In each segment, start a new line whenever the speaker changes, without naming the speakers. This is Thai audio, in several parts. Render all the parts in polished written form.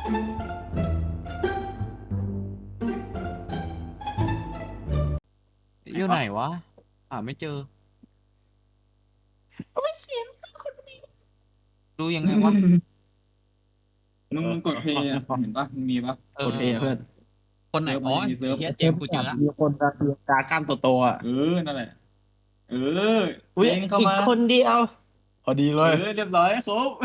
อยู่ไหนวะไม่เจอดูยังไงวะ
มึงกดเพย์อ่ะเห็นปะมันมีปะ
เออ
โอเคเพื่อน
คนไหนอ๋อ
มันจะมีเซิร์ฟ
ไอ้เฮียเจ
เซิร์ฟ
มส์กูเจอละ
มีคนตาเตียตากล้ามโตๆอ่ะ
นั่นแหละเออ
อุ้ย
เองเข้า
อีก
มา
คนเดียว พอดีเลย
เรียบร้อยครบ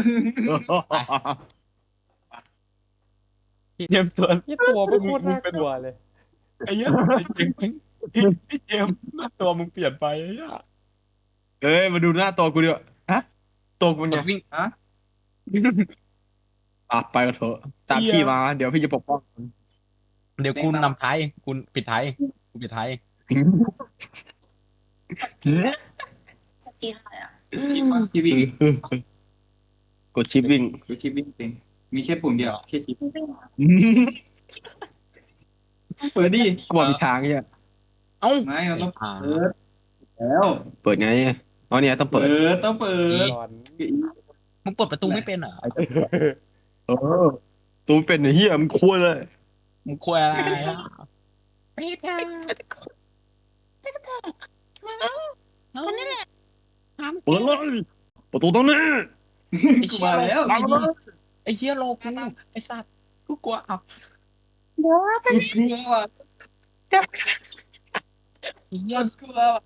เตรียมตัว
ยี่ตัวไม่โคตรน่ากลัวเลย
ไอ้เหี้ยไอ้เจมส์ไอ้เจมส์หน้าตัวมึงเปลี่ยนไปไอ้เหี้ย
เอ้ยมาดูหน้าตัวกูดิวะฮะตัวกู
ก
เนี่
ด
ย
วิ่ง
ฮะ
ไปกันเถอะตามพี่มาเดี๋ยวพี่จะปกป้อง
เดี๋ยวกูนำท้ายกูปิดท้ายกูปิดท้าย
ชีวิ่ง
กดชิปวิ่ง
ดูชีวิ่งเองมีแค่ปุ่มเดียวแค่ชีเปิดดิ
กูบอกมีทางเนี่ย
เอ้า
ไม่เราต้อง
อ่า
เปิดแล้ว
เปิดไงอ๋อเนี่ยต้องเปิด
ต้องเปิด
หลอน
มึงเปิดประตูไม่เป็นเหรอ
เออตัวเป็นไอ้เหี้ยมันควรเลย
มึงคุยอะไรอ่ะไม่ได้
คนนี้แหละถาม
เปิดเลยประตูตรงนี้
ไอ้
กู
เชี่ย
มาแล้ว
ไอ้ไอ้เชี่ยโลกูไอ้สัตว์กูกลัวเอา
เดี๋ยวว่า
กูกลัวว่ะ
ไอ้เหี้ย
กลัวว่ะ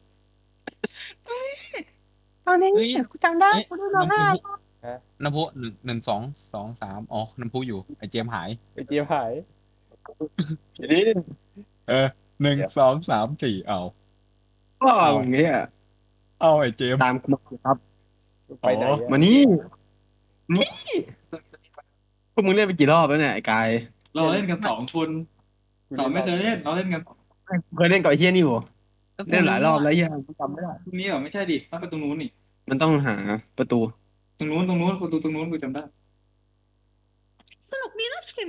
ตอนนี้
เฮ้ย
กูจำได้
เอ๊ะ
กูดูร้องไห้
น้ำพุหนึ่งสองสองสามอ๋อน้ำพุอยู่ไอ้เจมส์หาย
ไอเจียหาย
นี่
หนึ่งสองสามสี่เอา
ก็อย่างเงี้ย
เอาไอ้เจมส์
ตามกูมาครับ
ไปไหนอะ
มานี่พวกมึงเล่นไปกี่รอบแล้วเนี่ยไอ้กาย
เราเล่นกัน2 คนเราไม่เคยเล่นเราเล่นกัน
เคยเล่นกับไอ้เหี้ยนี่บ่
ก็กู
เล่นหลายรอบแล้วเหี้ยกูจำไม่ได้
ตรงนี้เหรอไม่ใช่ดิต้องไปตรงนู้นนี่
มันต้องหาประตู
ตรงนู้นประตูตรงนู้นกูจำได้
สนุกดีนะเข็ม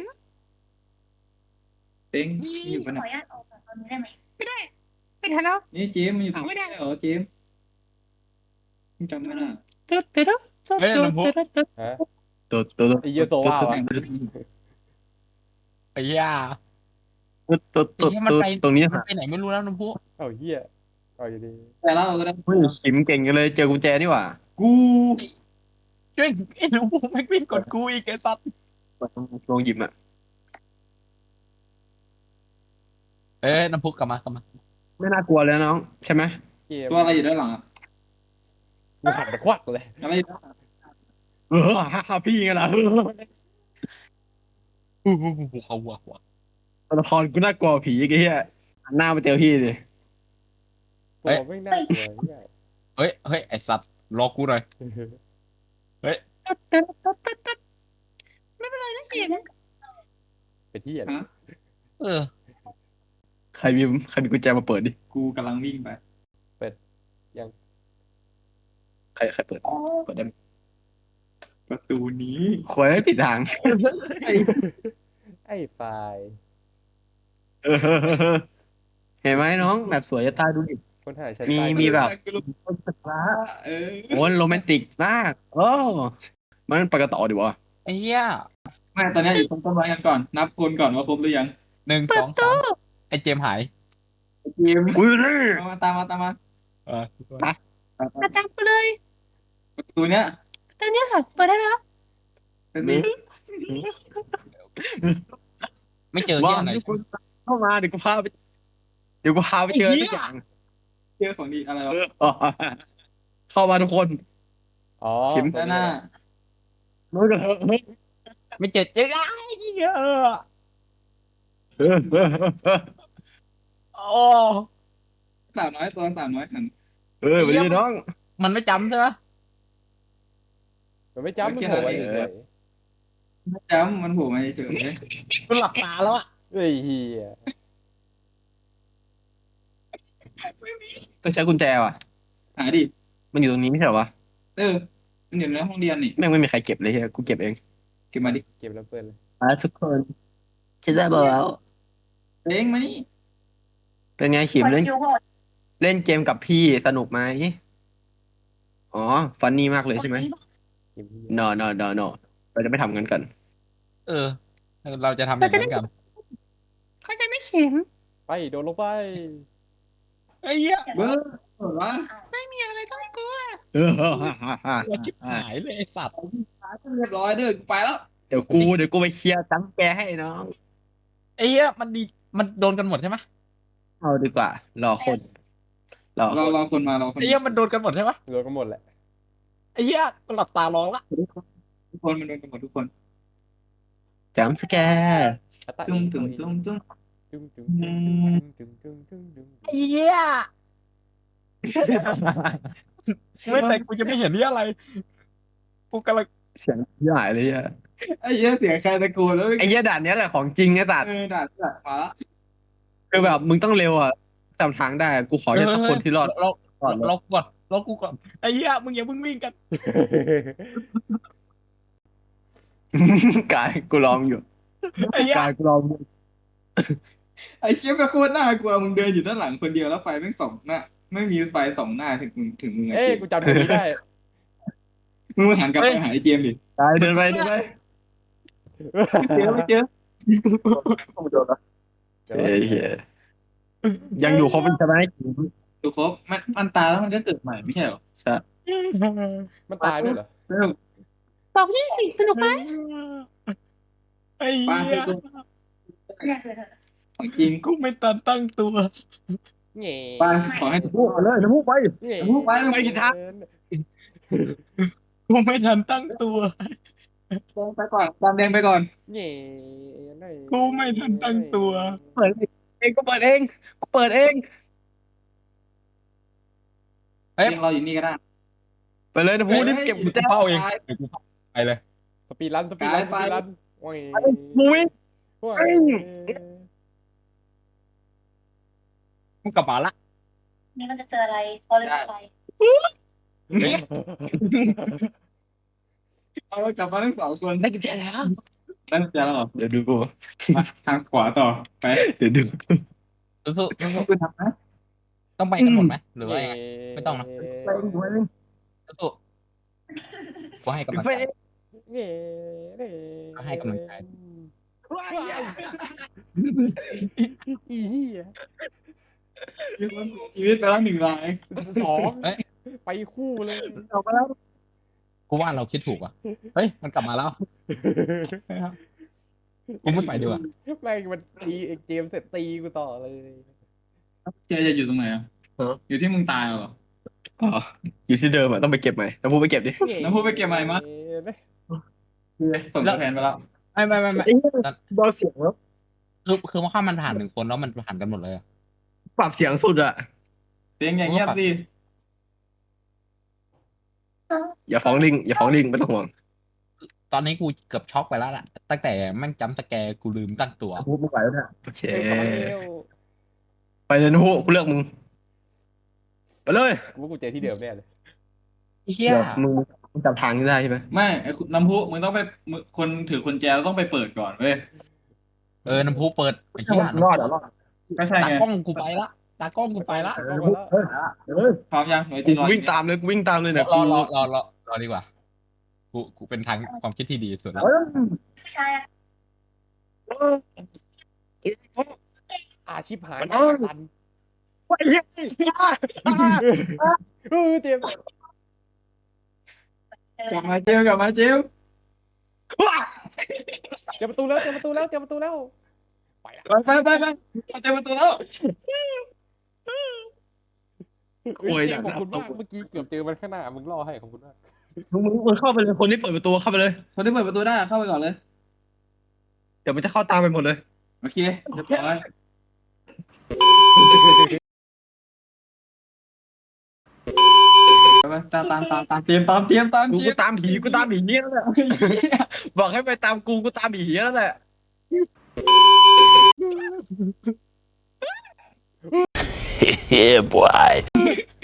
เต็งอยู่
ข
ปะ
อ
เนี่ย
อนุญาตออกจากตอนนี้ได้ไหมไม่ได้ไม่ทันแล้ว
นี่เจมส์มันอยู่ตรง
ไม่ได้
นี้เหรอเจมส์มึงจำไม่ได้
ตึ๊ดตึ๊ดตึ๊ด
เฮ้ยน้ำพุ
ตึ๊ด
ฮะ
ตัว
ไอเยียโซว่าวะ
ไอ้เหี้ย
ตัว
ไอ้เหี้ยมันไป
ตรงนี้
มันไปไหนไม่รู้แล้วน้ำพุ
เอาเฮียเอาอยู่ดี
แต่เราก็ได้
เฮ้ยขิมเก่งกันเลยเจอกุญแจนี่หว่า
กู
ช่วยไอ้น้ำพุไม่วิ่งกดกูอีกไอ้สัตว์
ลองหยิบอ่ะ
เอ้ยน้ำพุกลับมากลับมา
ไม่น่ากลัวเลยน้องใช่ไหม
เกม
ตัวอะไรอยู่ด้านหลังอะ
กูหันไปควักเลย
อะไรอยู่ด้านหลัง
ฮ่าพี่ไงล่ะ
เขาวัว
ตัวละครกูน่ากลัวผีไอ้เหี้ยหันหน้ามาเจอพี่ดิ
ตัวไม่น่ากลัวเหี้ย
เฮ้ยไอ้สัตว์รอกูหน่อย
ไม่เป็นไรนะเข็ม
เป็นที่อะไร
ฮะ
เออ
ใครมีกุญแจมาเปิดดิ
กูกำลังวิ่งไป
ใครเปิดเปิดได้ไหม
ประตูนี้
ควยไม่ผิดทาง
ไอ้ไฟล์
เห็นไหมน้องแบบสวยจะตายดูดิ
คนหาใช้
มี
ไฟล์
มีแบบ
กูรู้เออ
โอ้โรแมนติกมากโอ้มันไปกันต่อดีวะ
ไอ้เหี้ย
ไม่ตอนนี้อยู่ตรงต้นไม้กันก่อน นับคนก่อนว่าครบหรือยัง
หนึ่งสองสามไอ้เจมส์หาย
เกม
อุ้ยนี่
ตามมา
เออ
มาตามกูเลย
ประตูเนี้ย
ตอนนี้ค่ะเปิดได้แล้ว
เป็นนี้
ไม่เจอ
ว่า
เหี้ยไหน
เข้ามาเดี๋ยวกูพาไปเจอทุกอย่าง
เจอของดีอะไรวะ
เข้ามาทุกคน
อ๋อ
เข็ม
ด้านหน้า
นู้นกันเถอะ
ไม่เจอไอ้เหี้ยโอ้
สาวน้อยตัวสาวน้อยหัน
ไปดิน้อง
มันไม่จำใช่ไหม
มันไม่จำมันโผล่มาเฉย
ไม่จำมันโผล่มาเฉย
กูหลับตาแล้วอะ
ๆเฮ้ยเฮีย
ต้องใช้กุญแจว่ะ
หาดิ
มันอยู่ตรงนี้ไม่ใช่เหรอวะ
มันอยู่ในห้องเรียนนี่
แม่งไม่มีใครเก็บเลยเฮียกูเก็บเอง
เก็บมาดิ
เก็บแล้วเปิดเลย
ทุกคนจะได้บอกแล้ว
เต็งมานี่
เป็นไงขิม
เปิด
เล่น
คิวโหด
เล่นเกมกับพี่สนุกไหมอ๋อฟันนี่มากเลยใช่ไหม
เกมเหี้ย
no เราจะไม่ทำกันกัน
เออเราจะทำอย่างนั้นกัน
เขาจะไม่เข็ม
ไปโดนลงไป
ไอ้เหี้ย
เบอร์วะ
ไม่มีอะไรต้องกลัว
เราชิบหายเลยไอ้สัตว์
เรียบร้อยเด้อกูไปแล้ว
เดี๋ยวกูไปเคลียร์จังแกให้น้อง
ไอ้เหี้ยมันโดนกันหมดใช่ไหม
เอาดีกว่า รอคน รอ
รอคนมารอคน
ไอ้เหี้ยมันโดนกันหมดใช่ไหม
โดนกันหมดแหละ
ไอ้เหี้ยก็หลับตารอละ
ทุกคนมันโดนกันหมดทุกคน
จัมสแกร์
อะตะ
ตุ้ม
อี
ตุ้มตุ้มตุ้ม
จุ้งจุ้งจุ้งจุ้งจุ้งจุ้ง
ไอ้เหี้ยไม่แต่กูจะไม่เห็นนี่อะไรกูกำลัง
เสียงใหญ่เลยอ่ะ
ไอ้เหี้ยเสียงใครตะโกนแล้ว
ไอ้เหี้ยด่านเนี้ยแหละของจริงไอ้สัตว์
ด่ามาละ
คือแบบมึงต้องเร็วอ่ะจำทางได้กูขอแค่สักคนที่รอด
เรา
ก่อนเลย
เราก่อนเรากูก่อนไอ้เหี้ยมึงอย่าเพิ่งวิ่งกัน
กายกูลองอยู่
ไอ้เหี้ย
กายกูลองอยู่
ไอ้เชี่ยก็โคตรน่ากลัวมึงเดินอยู่ด้านหลังคนเดียวแล้วไฟแม่งส่องหน้าไม่มีไฟส่องหน้าถึงมึง
เอ้ยกูจำตรงนี้ได้
มึงมาหันกลับไปหาไอ้เจมส์ดิ
กายเดินไปเดินไป
ไม่เจอ
เฮ้ยเหี้ยยังอยู่ครบใช่ไหม
ดูครบมันตายแล้วมันก็เกิดใหม่ไม่ใช่เหรอ
ใช่
มันตายด้วยเหรอ
เริ่ม
บอกยี่สิสนุกไหม
ไอ้
ปา
เหี้ย
ของจริง
กูไม่ตันตั้งตัว
เง่
ปาขอให้ทุก
พูดเลยจะพูดไป
เง่
พูดไว้ลง
ไป
ไป
กินทาง
กูไม่ทันตั้งตัว
ไปก่อนตามแดงไปก่อน
เง่
กูไม่ทันตั้งตัว
เปิดเองก็เปิดเองกูเปิดเอง
เอ้ย
ยังรออยู่นี่ก็ได้
ไปเลยนะพูดรีบเก็บกุญแจ
เฝ้าเองเดี๋ยวกูไปเลย
สปีดรันสปีดรันส
ไป
ปีดรันโอ้ย
มึงวิ่ง
โอ้ย
มึงกลับมาละ
นี่มันจะเจออะไรพอเลยไป
เอากลับมาทั้งสองคน
ได้กุญแจแล้ว
ได้กุญแจแล้วเหรอ
เดี๋ยวดูกู
มาทางขวาต่อไป
เดี๋ยวดู
สู้
คุณทำนะ
ๆต้องไปกันหมดไหมหรือว่ายังไง ไม่ต้องนะ
ไปดูเอง
สู้ๆกูให้กำลัง
ไป
ใจ
เอง
เง่เง่
ให้กำลังใจ
อีเหี้ย
มีคนเสียชีวิตไปแล้ว1 ราย
สอง
เอ้ย
ไปคู่เลย
ออกมาแล้ว
กูว่าเราคิดถูกว่ะเฮ้ยมันกลับมาแล้วกูไม่ไปดีกว่า
แม่งมันตีไอ้เกมเสร็จตีกูต่อเลย
เจจะอยู่ตรงไหนอ่ะอยู่ที่มึงตายเหรอ
อ๋ออยู่ที่เดิมอ่ะต้องไปเก็บใหม่ต้องพูดไปเก็บดิ
แล้วพูดไปเก็บใหม่มา ส่งตัวแทนไปแล้ว
ไม่
เบาเสียงแล้ว
คือว่าข้ามันผ่าน1 คนแล้วมันผ่านกันหมดเลยอะ
ปรับเสียงสุดอ่ะ
เสียงอย่างเงียบสิ
อย่าฟ้องลิงอย่าฟ้องลิงไม่ต้องห่วง
ตอนนี้กูเกือบช็อกไปแล้วล่ะตั้งแต่แม่งจัมป์สแกร์กูลืมตั้งตัว
พูดไม่ไหวแล้วเนี่ยโอเค
เอ้ยเข้ามาเร็ว
ไปเลยนะพูกูเลือกมึงไปเลย
กูว่ากูเจอที่เดิมแน่เลย
เฮีย
เดี๋ยวมึงจำทางได้ใช่ไหม
ไม่ไอ้น้ำพุมึงต้องไปคนถือกุญแจต้องไปเปิดก่อนเว้ย
น้ำพุเปิดไอ้เฮีย
รอดอ่ะรอด
ก็ใช่
ตา
ไง
กล้องกูไปละตากล้องกูไปละ
พร้อมยังไว้
กู
ที่รอ
วิ่งตามเลยกูวิ่งตามเลยเนี่ย
รอดีกว่ากูเป็นทางความคิดที่ดีสุดแล้ว
ผู้ชายอะ
อาชีพหาย
มัน
ตันเจมส์
กลับมาเจลกลับมาเจล
เจอประตูแล้วเจอประตูแล้วเจอประตูแล้วไปละ
ไปเจอประตูแล้ว
โอ้ย
เจมส์ขอบคุณมากเมื่อกี้เกือบเจอมันข้างหน้ามึงล่อให้ขอบคุณมาก
มึงเข้าไปเลยคนที่เปิดประตูเข้าไปเลย
คนที่เปิดประตูได้เข้าไปก่อนเลย
เดี๋ยวมันจะเข้าตามไปหมดเลย
โอเคเรียบร้อยไปตามเตรียม
กูตามผีเนี้ยแล้วแหละบอกให้ไปตามกูตามผีแล้วแหละ
Yeah, boy.